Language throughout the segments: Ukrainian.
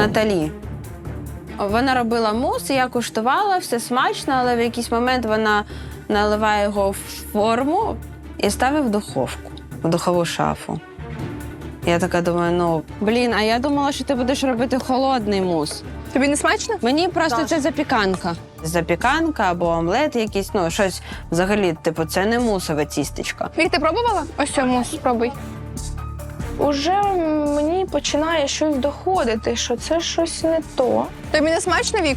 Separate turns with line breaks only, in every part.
Наталі. Вона робила мус, і я куштувала, все смачно, але в якийсь момент вона наливає його в форму і ставить в духовку, в духову шафу. Я така думаю, а я думала, що ти будеш робити холодний мус.
Тобі не смачно?
Мені просто це запіканка. Запіканка або омлет якийсь, щось взагалі, це не мусове тістечко.
Вік, ти пробувала? Ось цей мус спробуй. Уже мені починає щось доходити, що це щось не то. Тобі не смачно, Вік?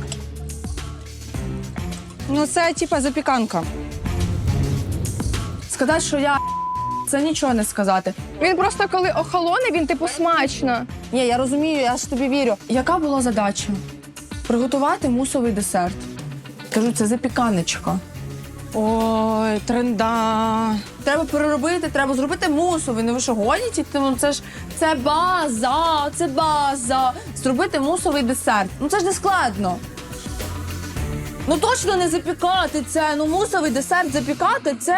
Це запіканка. Сказати, що я це нічого не сказати.
Він просто коли охолоне, він смачно.
Ні, я розумію, я ж тобі вірю. Яка була задача? Приготувати мусовий десерт. Кажу, це запіканочка. Ой, тренда. Треба переробити, треба зробити мусовий. Ви що, гоніте? Це база. Зробити мусовий десерт. Це ж не складно. Точно не запікати це. Мусовий десерт запікати це...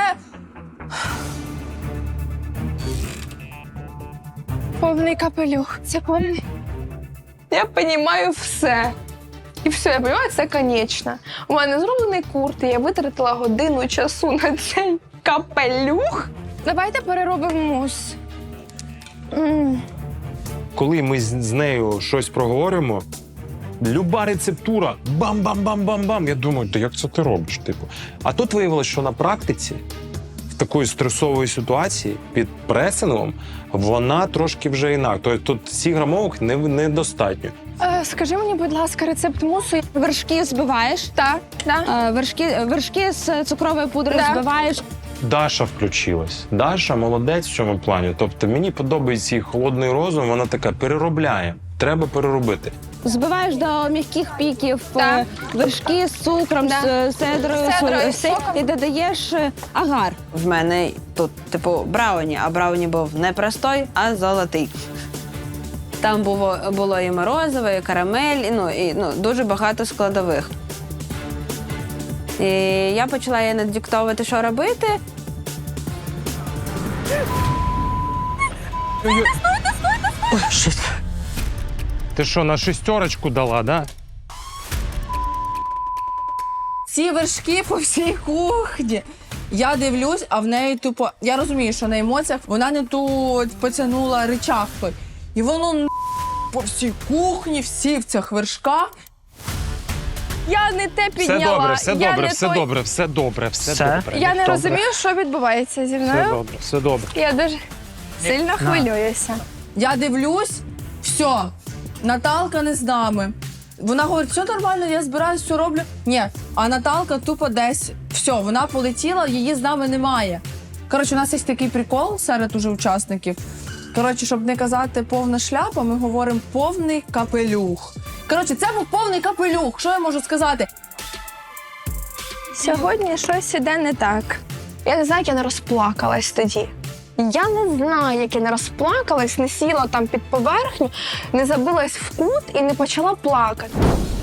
Повний капелюх. Це повний. Я розумію все. І все, я розумію, це конечно. У мене зроблений курт, і я витратила годину часу на цей капелюх. Давайте переробимо мус.
Коли ми з нею щось проговоримо, люба рецептура, бам-бам-бам-бам-бам. Я думаю, як це ти робиш? А тут виявилося, що на практиці в такої стресової ситуації під пресингом вона трошки вже інакше. Тобто тут 7 грамовок недостатньо.
Скажи мені, будь ласка, рецепт мусу.
Вершки збиваєш.
Так.
Вершки з цукровою пудрою збиваєш.
Даша включилась. Даша молодець в цьому плані. Тобто мені подобається її холодний розум, вона така переробляє. Треба переробити.
Збиваєш до м'яких піків вершки з цукром, з седрою, і додаєш агар. В мене тут, брауні, а брауні був не простой, а золотий. Там було і морозиво, і карамель, і дуже багато складових. І я почала їй надиктовувати, що робити.
Стойте! Ти що, на 6 дала, да?
Ці вершки по всій кухні. Я дивлюсь, а в неї тупо... Я розумію, що на емоціях вона не тут потягнула рычаг той. І воно по всій кухні, всі в цих вершках.
Я не те підняла.
Все добре.
Я не розумію, що відбувається зі мною.
Все добре.
Я дуже сильно хвилююся.
Я дивлюсь, все, Наталка не з нами. Вона говорить, все нормально, я збираюсь, все роблю. Ні, а Наталка тупо десь, все, вона полетіла, її з нами немає. Коротше, у нас є такий прикол серед уже учасників. Коротше, щоб не казати повна шляпа, ми говоримо повний капелюх. Коротше, це був повний капелюх, що я можу сказати?
Сьогодні щось іде не так. Я не знаю, як я не розплакалась тоді. Я не знаю, як я не розплакалась, не сіла там під поверхню, не забилась в кут і не почала плакати.